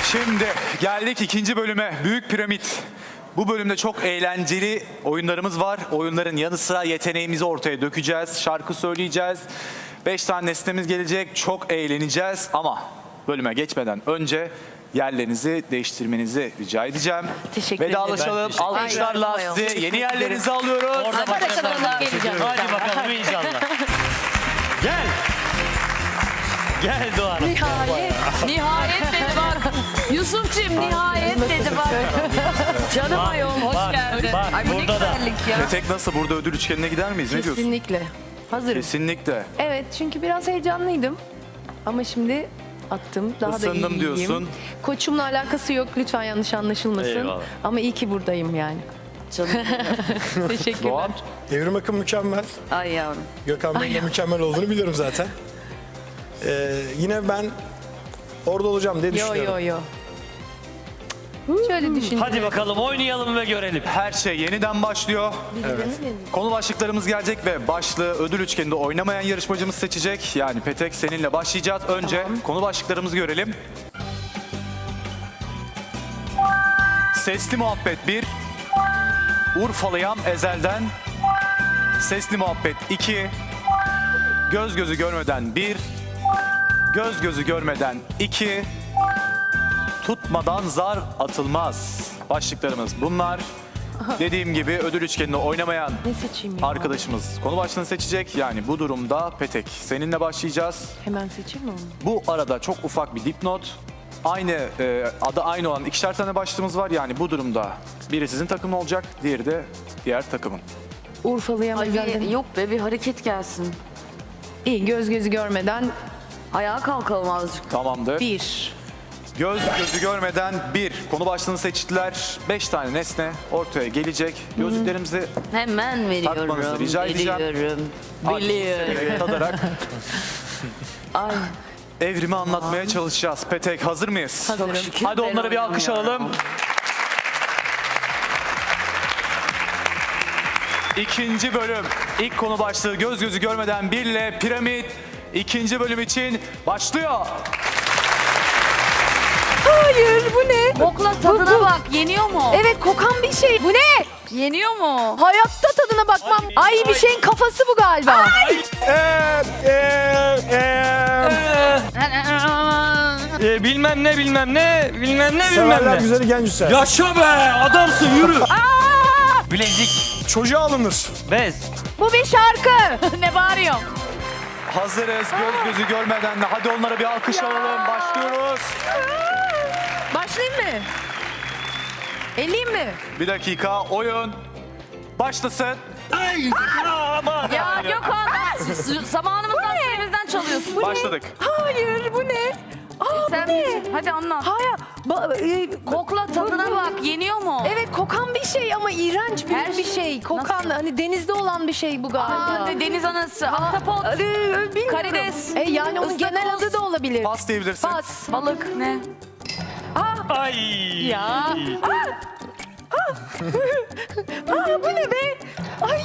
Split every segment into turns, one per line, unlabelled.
Şimdi geldik ikinci bölüme. Büyük Piramit. Bu bölümde çok eğlenceli oyunlarımız var. Oyunların yanı sıra yeteneğimizi ortaya dökeceğiz. Şarkı söyleyeceğiz. 5 tane nesnemiz gelecek. Çok eğleneceğiz ama bölüme geçmeden önce yerlerinizi değiştirmenizi rica edeceğim.
Teşekkür ederim.
Vedalaşalım. Alkışlarla
Ay,
sizi yeni yerlerinize alıyoruz.
Orada başarılar. Hadi bakalım inşallah. Gel. Gel Doğan.
Nihayet dedi bak. Yusuf'cim nihayet dedi bak. Canım ayol hoş
bak,
geldin.
bak,
Ay bu ne
burada da.
güzellik ya.
Petek nasıl? Burada ödül üçgenine gider miyiz? Ne diyorsun?
Kesinlikle. Hazırım.
Kesinlikle.
Evet çünkü biraz heyecanlıydım. Ama şimdi attım. Daha da
Isındım
iyiyim.
diyorsun.
Koçumla alakası yok. Lütfen yanlış anlaşılmasın.
Eyvallah.
Ama iyi ki buradayım yani.
Canım.
Teşekkürler.
Doğan.
Evrim Akın mükemmel.
Ay yavrum.
Gökhan Bey'in de mükemmel olduğunu biliyorum zaten. Yine ben orada olacağım diye
Yo
düşünüyorum.
yo yo. Şöyle düşün.
Hadi bakalım oynayalım ve görelim.
Her şey yeniden başlıyor. Konu başlıklarımız gelecek ve başlığı ödül üçgeninde oynamayan yarışmacımız seçecek. Yani Petek seninle başlayacağız. Önce konu başlıklarımızı görelim. Sesli Muhabbet 1. Urfalıyam ezelden. Sesli Muhabbet 2. Göz gözü görmeden 1. Göz gözü görmeden 2. Tutmadan zar atılmaz. Başlıklarımız bunlar. Dediğim gibi ödül üçgeninde oynamayan
Ne seçeyim ya?
arkadaşımız konu başlığını seçecek. Yani bu durumda Petek seninle başlayacağız.
Hemen seçeyim mi onu?
Bu arada çok ufak bir dipnot. Adı aynı olan 2'şer tane başlığımız var. Yani bu durumda biri sizin takımın olacak, diğeri de diğer takımın.
Urfalıyam
Ay
ezelden.
bir, yok be bir hareket gelsin.
İyi göz gözü görmeden
Ayağa kalkalım azıcık.
Tamamdır.
1.
Göz gözü görmeden bir konu başlığını seçtiler. 5 tane nesne ortaya gelecek. Gözlüklerimizi
Hemen veriyorum.
Takmanızı rica edeceğim.
Biliyorum.
severek tadarak
Ay.
evrimi anlatmaya çalışacağız. Petek hazır mıyız?
Hazırım.
şükür
Hadi
ben
onlara bir alkış
oynamıyorum.
alalım. İkinci bölüm. İlk konu başlığı göz gözü görmeden bir ile piramit. İkinci bölüm için başlıyor.
Hayır bu ne?
Kokla tadına bak. Yeniyor mu?
Evet kokan bir şey. Bu ne?
Yeniyor mu?
Hayatta tadına bakmam. Ay bir şeyin kafası bu galiba.
Bilmem ne bilmem ne bilmem ne bilmem
Severler
ne.
güzeli genç üser.
Yaşa be adamsın yürü. Bilezik,
Çocuğa alınır.
bez.
Bu bir şarkı.
Ne bağırıyorsun?
Hazırız göz gözü görmeden de. Hadi onlara bir alkış alalım. Başlıyoruz.
Başlayayım mı? Eleyim mi?
Bir dakika oyun başlasın.
Aman.
Ya Gökhan zamanımızdan süremizden çalıyorsun.
Başladık.
Hayır bu ne? Aa,
Sen
bu ne?
hadi anlat.
Hayır.
Kokla tadına bak. Yeniyor mu?
Evet kokan bir şey ama iğrenç bir,
Her
bir
şey.
şey. Kokan
Nasıl?
hani denizde olan bir şey bu galiba.
Aa, deniz anası, ahtapot,
Bilmiyorum.
karides,
Yani onun
ıstakoz.
genel adı da olabilir.
Pas diyebilirsin.
Pas.
balık ne?
Ay.
Ya.
Aa bu ne be? Ay.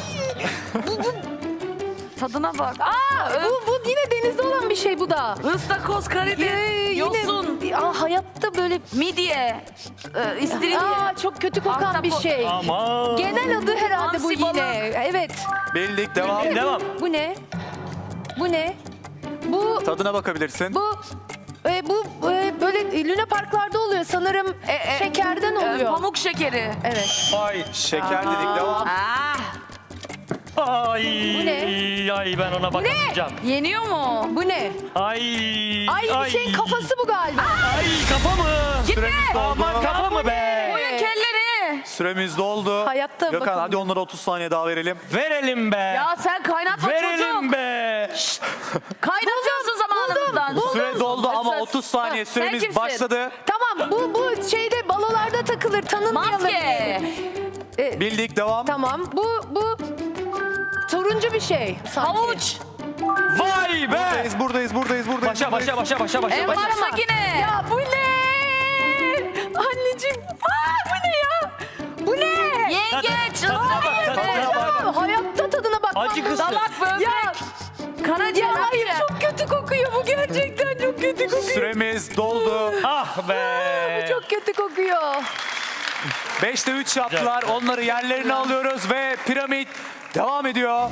Tadına bak. Aa,
Bu yine denizde olan bir şey bu da.
ıstakoz, karides, yosun,
Hayatta böyle
midye, istiridye.
çok kötü kokan bir
Ahtapot.
şey.
Aman.
Genel adı herhalde bu
Hamsi
yine.
balık.
Evet.
Bildik devam.
Devam.
Bu ne? Bu ne? Bu
Tadına bakabilirsin.
bu böyle Luna Parklarda oluyor sanırım. Şekerden oluyor.
Pamuk şekeri.
Evet.
Ay.
Şeker dedik devam.
Ah,
Ay.
Bu ne?
Ay ben ona bakamayacağım.
yeniyor mu?
Bu ne?
Ay.
Ay bir şeyin kafası bu galiba.
Ay kafa mı?
Süremiz doldu.
Aman kafa mı be?
Koyun kelleri.
Süremiz doldu.
Hayatta
Gökhan
bakın.
hadi onlara 30 saniye daha verelim.
Verelim be.
Ya sen kaynatma
Verelim
çocuk.
be.
Kaynatıyorsun zamanımızdan.
Süre doldu ama
Hırsız.
30 saniye
Sen
süremiz
kimsin?
başladı.
Tamam bu şeyde balolarda takılır tanınmayalım.
Maske.
Bildik devam.
Tamam bu turuncu bir şey. sanki.
Havuç.
Vay be.
Buradayız.
Başa.
En baştaki ne?
Ya bu ne? Anneciğim. Bu ne ya? Bu ne?
Yengeç.
Tadına bak, tadına bak.
Ya, hayatta tadına bakmam.
Acı kısır.
Dalak böbrek.
Ya,
Karaciğer.
ya hayır çok kötü kokuyor bu gerçekten çok kötü kokuyor.
Süremiz doldu.
Ah be. be.
çok kötü kokuyor.
5'te 3 yaptılar. Onları yerlerine alıyoruz ve piramit devam ediyor.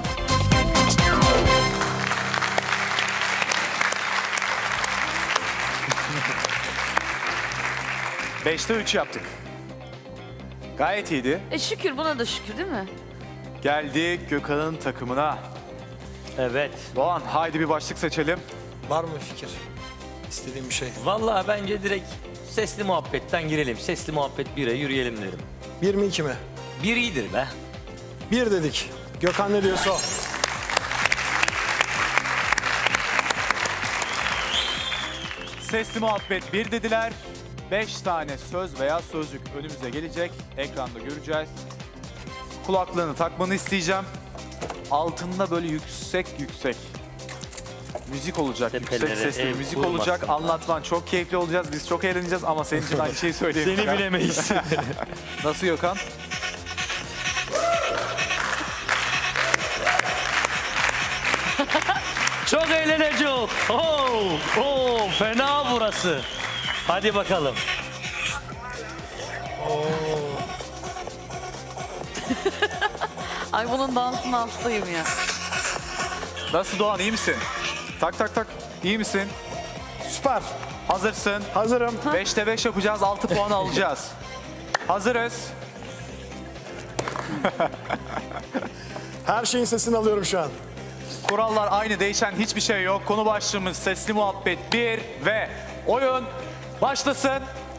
Beşte 3 yaptık. Gayet iyiydi.
Şükür buna da şükür değil mi?
Geldik Gökhan'ın takımına.
Evet.
Doğan haydi bir başlık seçelim.
Var mı fikir? İstediğim bir şey.
Vallahi bence direkt sesli muhabbetten girelim. Sesli muhabbet 1'e yürüyelim derim.
1 mi 2 mi?
1 iyidir be.
1 dedik. Gökhan ne diyorsa o.
Sesli muhabbet 1 dediler. 5 tane söz veya sözcük önümüze gelecek. Ekranda göreceğiz. Kulaklığını takmanı isteyeceğim. Altında böyle yüksek müzik olacak.
Tepelere
Yüksek sesli
ev
müzik
kurmasın.
olacak. Anlatman çok keyifli olacağız. Biz çok eğleneceğiz ama senin için aynı şeyi söyleyeyim.
Seni bilemeyiz.
Nasıl Gökhan?
Çok eğlenecek. Oo, fena burası. Hadi bakalım.
Ay bunun dansına hastayım ya.
Nasıl Doğan, iyi misin? Tak tak tak. İyi misin?
Süper.
Hazırsın.
Hazırım.
5'te 5 yapacağız. 6 puan alacağız. Hazırız.
Her şeyin sesini alıyorum şu an.
Kurallar aynı, değişen hiçbir şey yok. Konu başlığımız sesli muhabbet 1 ve oyun başlasın.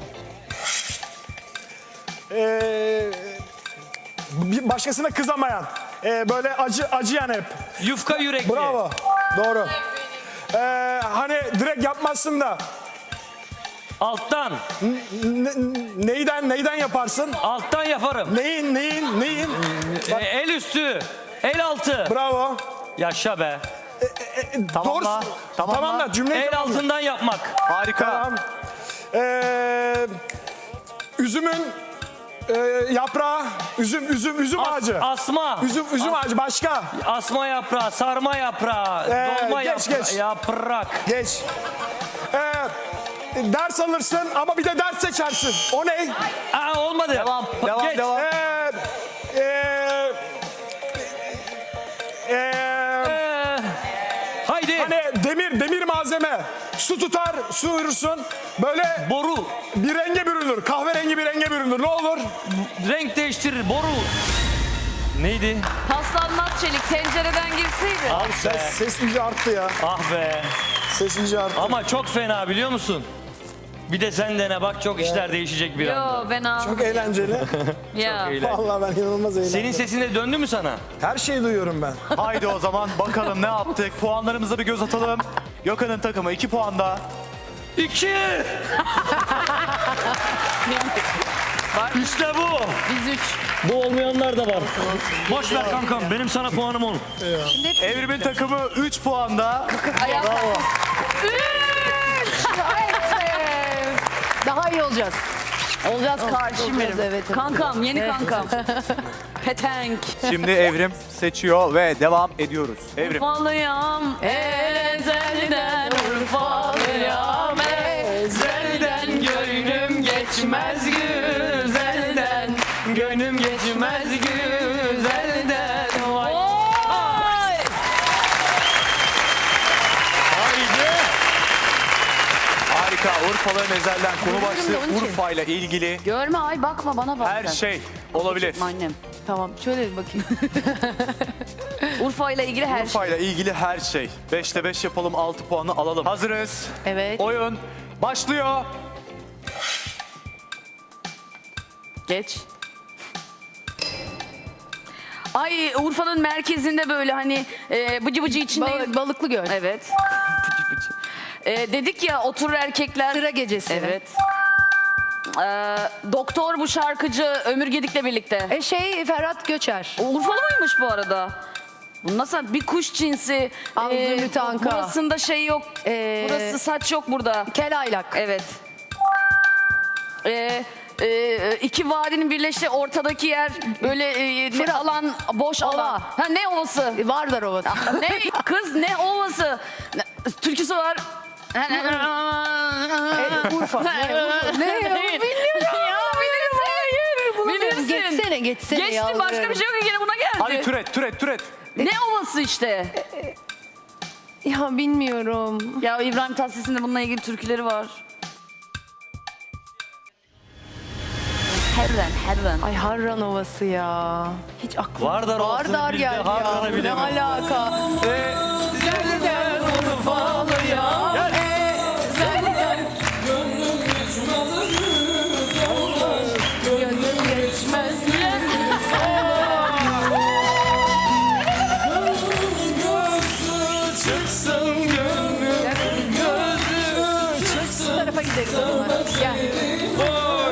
Bir başkasına kızamayan. Böyle acıyan hep.
Yufka yürekli.
Bravo. Doğru. Hani direkt yapmazsın da
Alttan.
neyden yaparsın?
Alttan yaparım.
Neyin?
El üstü. El altı.
Bravo.
Yaşa be.
Tamamla.
Doğru.
Tamamla.
Tamamla cümleyi
El
tamamla.
altından yapmak.
Harika.
Tamam. Üzümün yaprağı, üzüm ağacı.
Asma.
Üzüm ağacı başka.
Asma yaprağı, sarma yaprağı, dolma
geç.
yaprak.
Geç. Ders alırsın ama bir de ders seçersin. O ne?
Aa, olmadı.
Devam.
Geç. Haydi.
Hani demir malzeme. Su tutar, su uyursun. Böyle
Boru.
bir renge bürünür. Kahverengi bir renge bürünür. Ne olur?
Renk değiştirir. Boru. Neydi?
Paslanmaz çelik tencereden girseydi.
Ah be.
Ses iyice arttı ya.
Ah be.
Ses iyice arttı.
Ama çok fena biliyor musun? Bir de sen dene bak, çok işler değişecek bir anda.
Yo ben aldım.
Çok eğlenceli.
Ya.
Eğlenceli.
Vallahi ben inanılmaz eğlendim.
Senin sesin de döndü mü sana?
Her şeyi duyuyorum ben.
Haydi o zaman bakalım ne yaptık. Puanlarımıza bir göz atalım. Gökhan'ın takımı 2 puanda.
2. İşte bu.
Biz 3.
Bu olmayanlar da var. Boş ver kankam, benim sana puanım olur.
Evrim'in takımı 3 puanda.
Daha iyi olacağız. Olacağız kardeşim benim.
evet.
Kankam, yeni kankam. Petenk.
Şimdi Evrim seçiyor ve devam ediyoruz. Evrim.
Urfalıyam ezelden, Urfalıyam ezelden. Gönlüm geçmez güzelden, gönlüm geçmez güzelden. Vay.
Haydi.
Harika. Urfalı'nın ezelden konu başlığı Urfa ile ilgili
Görme ay bakma bana bak
her
sen.
şey olabilir.
Annem.
Tamam şöyle bir bakayım.
Urfa ile ilgili her şey.
Urfa ile ilgili her şey. 5'te 5 yapalım, 6 puanı alalım. Hazırız.
Evet.
Oyun başlıyor.
Geç. Ay Urfa'nın merkezinde böyle hani bıcı bıcı içinde.
Balıklı göl.
Evet. Dedik ya oturur erkekler.
Sıra gecesi.
Evet. Doktor bu şarkıcı Ömür Gedik'le birlikte.
Ferhat Göçer.
Urfalı mıymış bu arada? Bu nasıl bir kuş cinsi?
Zümrüt Anka.
Burasında şey yok. Burası saç yok burada.
Kel Aylak.
Evet. İki vadinin birleştiği ortadaki yer böyle ne alan boş
Ova.
alan. Ha ne ovası?
Vardar Ovası.
Ne kız ne ovası? Türküsü var.
Urfa. Ne? geçsene
Geçtim başka bir şey yok ki yine buna geldi.
Hadi türet.
Ne ovası işte.
Ya bilmiyorum.
Ya İbrahim Tatlıses'in de bununla ilgili türküleri var. Herren.
Ay Harran Ovası ya. Hiç aklım.
Vardar Ovası'nı
Vardar
bildi,
geldi ya.
Harran'ı
Ne
bilemedi.
alaka? Bu tarafa gideriz o zaman. Gel.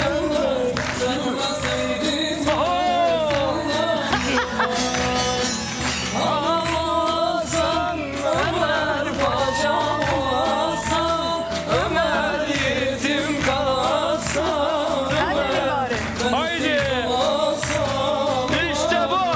Hadi bir bari.
Haydi. İşte bu.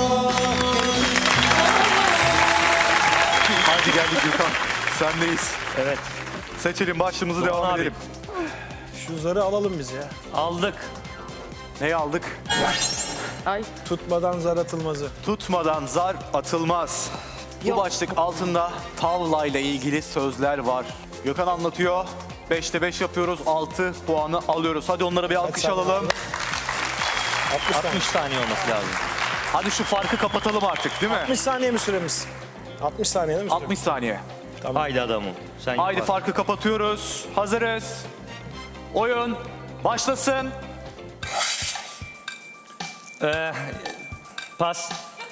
Hadi geldik Gökhan. Sendeyiz.
Evet.
Seçelim başlığımızı
Doğan
devam
abi.
edelim.
Şu zarı alalım biz ya.
Aldık.
Neyi aldık?
Tutmadan zar atılmazı.
Tutmadan zar atılmaz. Bu başlık altında tavlayla ilgili sözler var. Gökhan anlatıyor. 5'te 5 yapıyoruz. 6 puanı alıyoruz. Hadi onlara bir alkış
saniye
alalım.
60 saniye.
60 saniye olması lazım.
Hadi şu farkı kapatalım artık değil mi?
60 saniye mi süremiz? 60 saniye değil mi süremiz?
60 saniye.
Haydi adamım. Sen
Haydi
yapar.
farkı kapatıyoruz. Hazırız. Oyun başlasın.
Pas.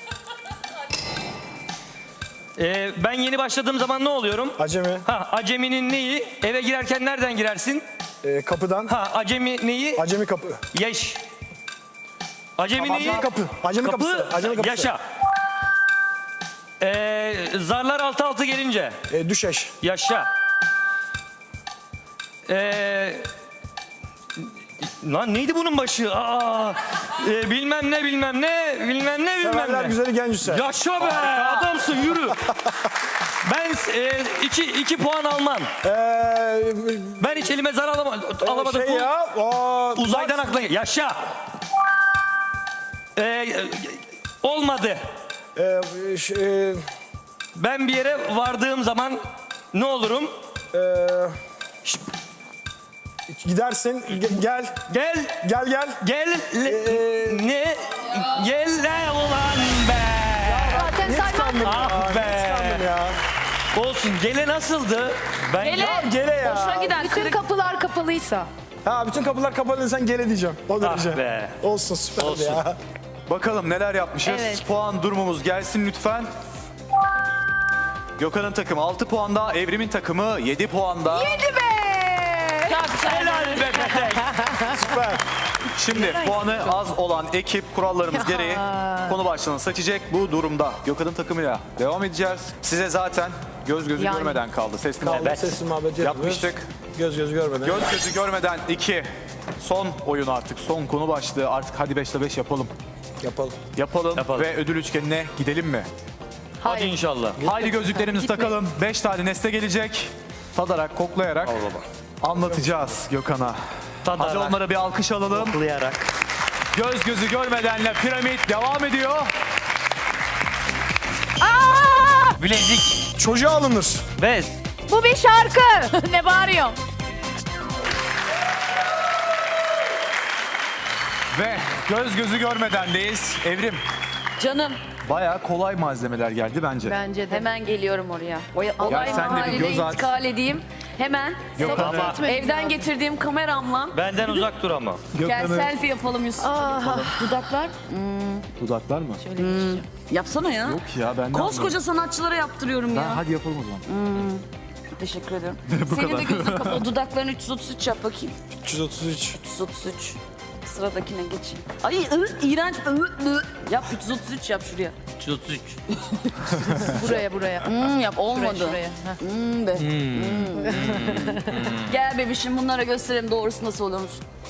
Ben yeni başladığım zaman ne oluyorum?
Acemi.
Aceminin neyi? Eve girerken nereden girersin?
Kapıdan.
Acemi neyi?
Acemi kapı.
Yaş. Acemi neyi?
Acemi kapı. Acemi kapısı. Acemi kapısı.
Yaşa. Zarlar altı altı gelince.
Düşeş.
Yaşa. Lan neydi bunun başı? Bilmem ne.
Severler güzeli genç Hüseyin.
Yaşa be adamsın yürü. Ben iki puan almam. Ben hiç elime zar alamadım.
Şey ya.
Uzaydan aklına yaşa. Olmadı. Ben bir yere vardığım zaman ne olurum?
Gidersin. Gel.
Gel. Ne? Gel le ulan be.
Zaten
Hiç
saymam.
kandım
Ah be.
ya.
Olsun. Gele nasıldı? Ben
Gele.
Gele ya.
Hoşuna giden
Bütün
kırık.
kapılar kapalıysa.
Bütün kapılar kapalı sen gele diyeceğim. O derece.
be.
Olsun süper
Olsun.
ya.
Bakalım neler yapmışız.
Evet.
Puan durumumuz gelsin lütfen. Gökhan'ın takımı 6 puanda, Evrim'in takımı 7 puanda.
Hadi be.
Helal be Petek.
Süper.
Şimdi puanı az olan ekip kurallarımız gereği konu başlığını seçecek. Bu durumda Gökhan'ın takımıyla devam edeceğiz. Size zaten göz gözü
Yani.
görmeden kaldı. Sesli
Kaldı
Evet.
sesli muhabbet
yapmıştık.
Göz gözü görmeden.
Göz gözü görmeden 2. Son oyun artık. Son konu başlığı. Artık hadi 5'te 5 yapalım.
Yapalım.
Yapalım ve ödül üçgenine gidelim mi?
Hadi inşallah.
Haydi gözlüklerimizi takalım. 5 tane nesne gelecek. Tadarak, koklayarak anlatacağız Gökhan'a. Hadi
Tadarak,
onlara bir alkış alalım.
koklayarak.
Göz gözü görmedenle piramit devam ediyor.
Bilezik,
Çocuğa alınır.
bez.
Bu bir şarkı. Ne bağırıyorsun?
Ve göz gözü görmedendeyiz. Evrim,
Canım
bayağı kolay malzemeler geldi bence.
Bence de.
hemen geliyorum oraya. Olay
sen de bir
mahalline
göz at.
intikal edeyim. Hemen
Gökhan'ı,
evden getirdiğim kameramla
Benden uzak dur ama.
gel
Gökhan'ı,
selfie yapalım Yusuf. Dudaklar.
dudaklar mı?
Yapsana ya.
Yok ya ben ne
Koskoca sanatçılara yaptırıyorum ya.
Hadi yapalım o zaman.
Teşekkür ederim.
Bu
Senin
kadar.
de gözün kapalı. Dudaklarını 333 yap bakayım.
333.
333. Sıradakine geçeyim. Ay iğrenç. Yap 333 yap şuraya.
333.
Buraya.
Yap olmadı.
Şuraya. Heh.
Be. Gel bebişim bunlara gösterelim doğrusu nasıl olurmuş.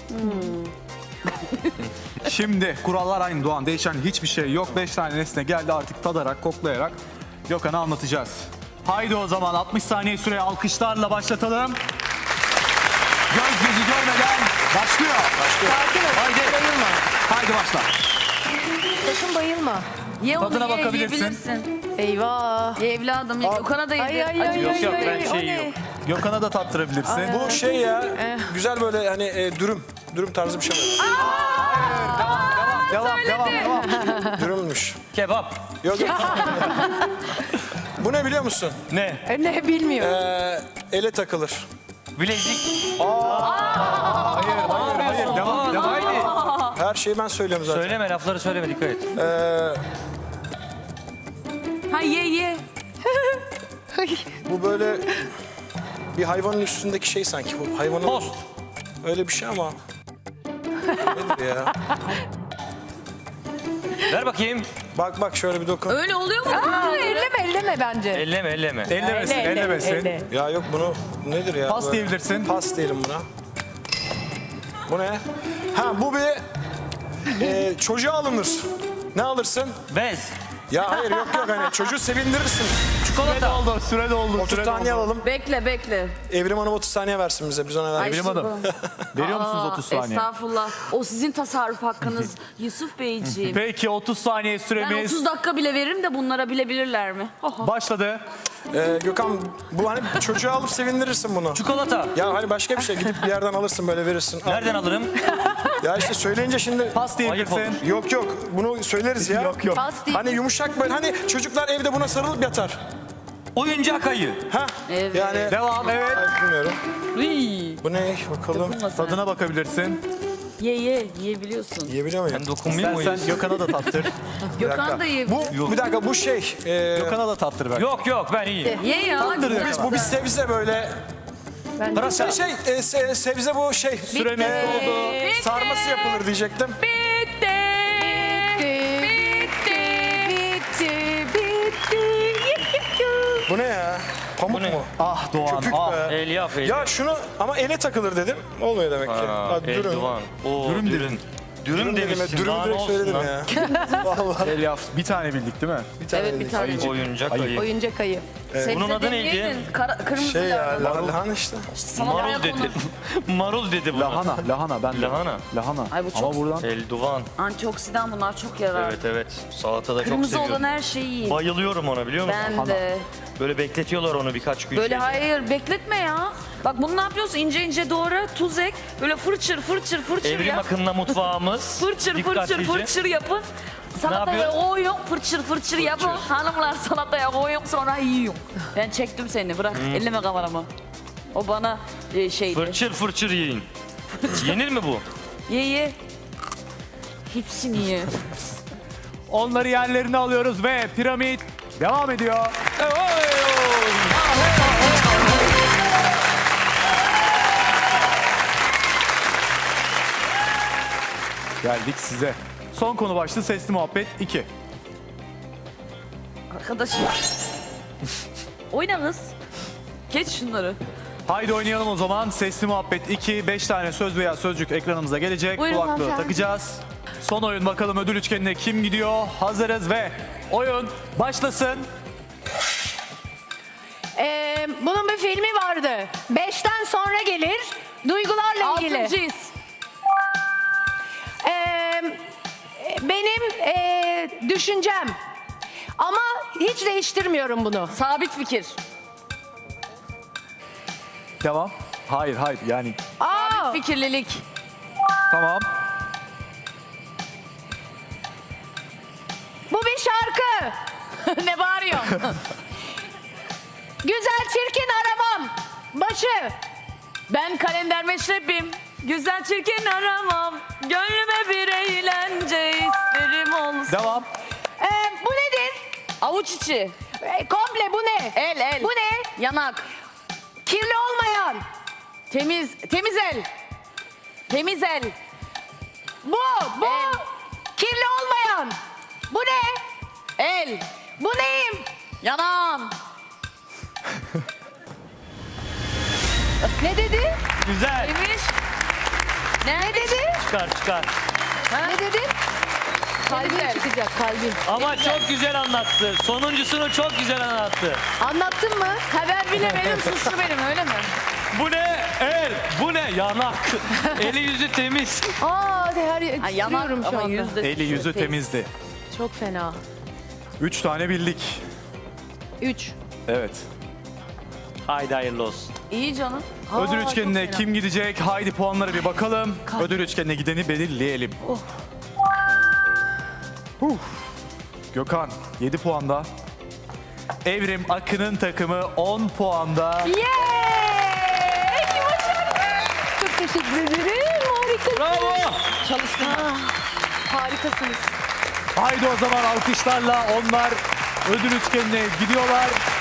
Şimdi kurallar aynı Doğan. Değişen hiçbir şey yok. 5 tane nesne geldi artık tadarak, koklayarak Gökhan'a anlatacağız. Haydi o zaman 60 saniye süre alkışlarla başlatalım. Göz gözü görmeden başlıyor.
Sakin ol.
Haydi.
Bayılma.
Haydi başla.
Sakın bayılma.
Ye onu
Tadına
ye,
bakabilirsin.
yiyebilirsin.
Eyvah.
Ye evladım ye. Gökhan'a da
Ay
yedir.
ay ay.
Yok
ay,
yok
ay,
ben
o
şey
ne?
yok.
Gökhan'a da tattırabilirsin.
Bu şey ya güzel böyle hani dürüm tarzı bir şey var.
Devam.
Dürümmüş.
Kebap.
Yok yok. Bu ne biliyor musun?
Ne?
Ne bilmiyor.
Ele takılır.
Bilezik.
Hayır, devam.
Haydi.
Her şeyi ben söylüyorum zaten.
Söyleme lafları söyleme dikkat et.
Ha ye.
Bu böyle bir hayvanın üstündeki şey sanki. Bu hayvanın
Tost.
öyle bir şey ama. Nedir ya?
Ver bakayım.
Bak şöyle bir dokun.
Öyle oluyor mu?
Elleme bence.
Elleme.
Ellemesin.
Ya yok bunu nedir ya?
Pas
Böyle-
diyebilirsin.
Pas diyelim buna. Bu ne? Ha bu bir çocuğa alınır. Ne alırsın?
Bez.
Ya hayır yok hani çocuğu sevindirirsin.
Çikolata.
Süre doldu.
30 saniye alalım.
Bekle.
Evrim Hanım 30 saniye versin bize. Biz ona
Ay,
verelim.
Evrim Hanım. Veriyor musunuz 30 saniye?
Estağfurullah. O sizin tasarruf hakkınız Yusuf Beyciğim.
Peki 30 saniye
Ben
süremiz
30 dakika bile veririm de bunlara bilebilirler mi?
başladı.
Gökhan bu hani çocuğa alıp sevindirirsin bunu.
Çikolata.
Ya hani başka bir şey gidip bir yerden alırsın böyle verirsin. Al.
Nereden alırım?
Ya işte söyleyince şimdi
Pas diyebilirsin.
Ayıp olur.
yok bunu söyleriz ya.
Yok.
Pas değil.
Hani yumuşak böyle hani çocuklar evde buna sarılıp yatar.
Oyuncak ayı.
Ha?
Evet.
Yani
Devam, evet.
Ay, bilmiyorum.
Uy.
Bu ne bakalım.
Tadına bakabilirsin.
Yiyebiliyorsun.
Yiyebiliyor muyum?
Ben dokunmayayım mı?
Sen Gökhan'a da tattır.
Gökhan da ye.
Bu bir dakika bu şey.
Gökhan'a da tattır belki.
Yok ben iyiyim.
Ye ya.
Bu bir sebze böyle.
Pırasa.
Sebze bu şey.
Süremiz doldu.
Sarması yapılır diyecektim.
Bitti.
Bu ne ya? Pamuk
Bu ne?
mu?
Ah Doğan,
Köpük
ah.
be.
Elyaf.
Ya şunu ama ele takılır dedim. Olmuyor demek ki. Ha, dürüm.
Eldivan. Oo,
Dürüm
dürüm. Dürüm
dedim.
demişsin.
Dürüm
Daha ne
direkt
olsun
söyledim
lan?
ya. Vallahi.
Elyaf. Bir tane bildik değil mi?
Bir tane
Evet bir
dedik.
tane.
Oyuncak ayı.
Oyuncak ayı.
Bunun adı neydi?
Kırmızı
Şey ya
lahana.
lahana işte.
Marul dedi. Marul dedi buna.
Lahana ben de.
Lahana.
Ay bu çok
Ama buradan
Eldivan.
antioksidan, bunlar çok yarar.
Evet. Salatada çok
Kırmızı
seviyorum.
olan her şeyi yiyin.
Bayılıyorum ona biliyor musun?
Ben de.
Böyle bekletiyorlar onu birkaç gün.
Böyle
şeyde.
hayır bekletme ya. Bak bunu ne yapıyorsun? İnce doğra, tuz ek. Böyle fırçır
Evrim
yap.
akınla mutfağımız.
Fırçır yapın. Salataya
yapıyoruz?
koyun, fırçır yapın. Hanımlar salataya koyun, sonra yiyin. Ben çektim seni, bırak. Elleme kameramı. O bana şeydi.
Fırçır yiyin. Yenir mi bu?
Ye. Hepsini ye.
onları yerlerine alıyoruz ve piramit devam ediyor. Geldik size. Son konu başlığı sesli muhabbet 2.
Arkadaşım. Oyna kız. Geç şunları.
Haydi oynayalım o zaman. Sesli muhabbet 2. 5 tane söz veya sözcük ekranımıza gelecek.
Buyurun
Kulaklığı
hanımefendi.
takacağız. Son oyun bakalım ödül üçgenine kim gidiyor? Hazırız ve oyun başlasın.
Bunun bir filmi vardı. 5'ten sonra gelir. Duygularla ilgili.
Altıncıyız.
Benim düşüncem. Ama hiç değiştirmiyorum bunu.
Sabit fikir.
Devam. Hayır yani
Aa,
Fikirlilik.
tamam.
bu bir şarkı.
Ne bağırıyorsun?
Güzel çirkin aramam. Başı.
Ben kalender meşrebim. Güzel çirkin aramam. Gönlüme bir eğlence isterim olsun.
Devam.
Bu nedir?
Avuç içi.
Komple bu ne?
El.
Bu ne?
Yanak.
Kirli olmayan.
Temiz el. Temiz el.
Bu.
El.
Kirli olmayan. Bu ne?
El.
Bu neyim?
Yanağım.
Ne dedi?
Güzel.
Neymiş?
Ne dedi?
Çıkar.
Ne dedi? Kalbim
Güzel.
çıkacak kalbim.
Ama çok güzel anlattı. Sonuncusunu çok güzel anlattı.
Anlattın mı?
Ha ben bilemedim, suçlu benim öyle mi?
Bu ne? Bu ne? Yanak. Eli yüzü temiz.
Aa de her
Ha,
titriyorum
yanak
şu
ama
anda.
yüzde
Eli yüzü temizdi.
Çok fena.
3 tane bildik.
3.
Evet.
Haydi hayırlı olsun.
İyi canım.
Ödül
çok
üçgenine
fena.
kim gidecek? Haydi puanlara bir bakalım. Ödül üçgenine gideni belirleyelim. Gökhan 7 puanda. Evrim Akın'ın takımı 10 puanda.
Yeeey! Çok teşekkür ederim. Harikasınız.
Bravo.
Harikasınız.
Haydi o zaman alkışlarla onlar ödül üçgenine gidiyorlar.